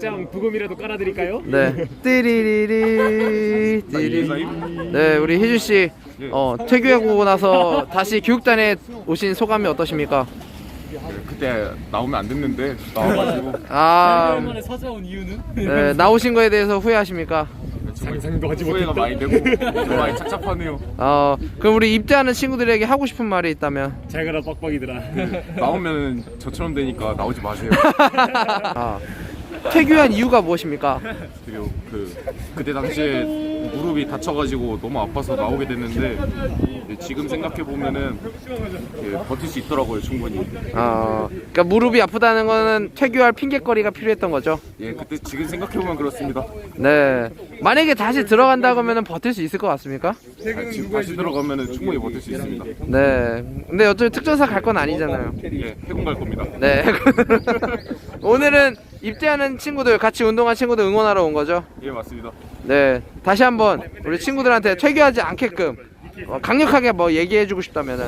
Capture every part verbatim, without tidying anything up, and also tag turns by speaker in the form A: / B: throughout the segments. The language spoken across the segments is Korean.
A: 막장 부금이라도 깔아드릴까요?
B: 네. 띠리리리 띠리. 네, 우리 희준 씨 어, 퇴교하고 나서 다시 교육단에 오신 소감이 어떠십니까?
C: 그때 나오면 안 됐는데 나와가지고
B: 아,
A: 오랜만에 찾아온 이유는?
B: 네, 나오신 거에 대해서 후회하십니까?
A: 상상도 하지
C: 후회가
A: 못했다.
C: 많이 되고 좀 많이 착잡하네요.
B: 어, 그럼 우리 입대하는 친구들에게 하고 싶은 말이 있다면?
A: 잘 가라 빡빡이들아.
C: 나오면 저처럼 되니까 나오지 마세요.
B: 아, 퇴교한 이유가 무엇입니까?
C: 그리고 그 그때 당시에 무릎이 다쳐가지고 너무 아파서 나오게 됐는데 지금 생각해 보면은 버틸 수 있더라고요 충분히.
B: 어, 그러니까 무릎이 아프다는 거는 퇴교할 핑계거리가 필요했던 거죠.
C: 예, 그때 지금 생각해 보면 그렇습니다.
B: 네. 만약에 다시 들어간다고 하면 버틸 수 있을 것 같습니까?
C: 아, 지금 다시 들어가면은 충분히 버틸 수 있습니다.
B: 네. 근데 어차피 특전사 갈 건 아니잖아요.
C: 예, 해군 갈 겁니다.
B: 네. 오늘은 입대하는 친구들, 같이 운동한 친구들 응원하러 온 거죠?
C: 예, 맞습니다.
B: 네. 다시 한번 우리 친구들한테 퇴교하지 않게끔 어, 강력하게 뭐 얘기해주고 싶다면은.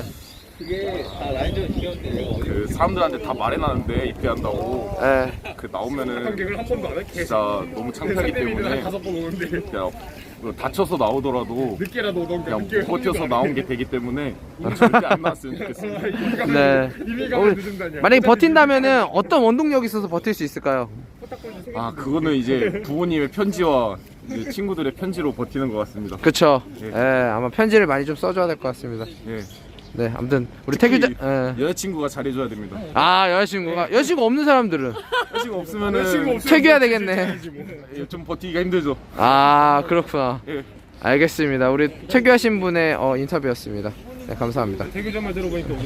C: 그 사람들한테 다 말해놨는데 입대한다고.
B: 네.
C: 그 나오면은
A: 한 번도 안 할게.
C: 진짜 너무 창피하기 때문에
A: 다섯 번 오는데
C: 그냥 뭐 다쳐서 나오더라도
A: 늦게라도 오던
C: 그냥 못 버텨서 나온 게 되기 때문에 절대 안 나왔으면 좋겠습니다.
B: 네.
A: 이미가 늦은다냐.
B: 만약에 버틴다면은 어떤 원동력이 있어서 버틸 수 있을까요?
C: 아, 그거는 이제 부모님의 편지와 이제 친구들의 편지로 버티는 것 같습니다.
B: 그쵸.
C: 예.
B: 예, 아마 편지를 많이 좀 써줘야 될 것 같습니다.
C: 예.
B: 네, 아무튼 우리 태규자. 예.
C: 여자친구가 잘해줘야 됩니다.
B: 아, 여자친구가 여자친구 없는 사람들은
C: 여자친구 없으면은
B: 퇴교해야 되겠네.
C: 예, 좀 버티기가 힘들죠.
B: 아, 그렇구나.
C: 예.
B: 알겠습니다. 우리 퇴교하신 분의 어, 인터뷰였습니다. 네, 감사합니다.
A: 태교전만 들어보니까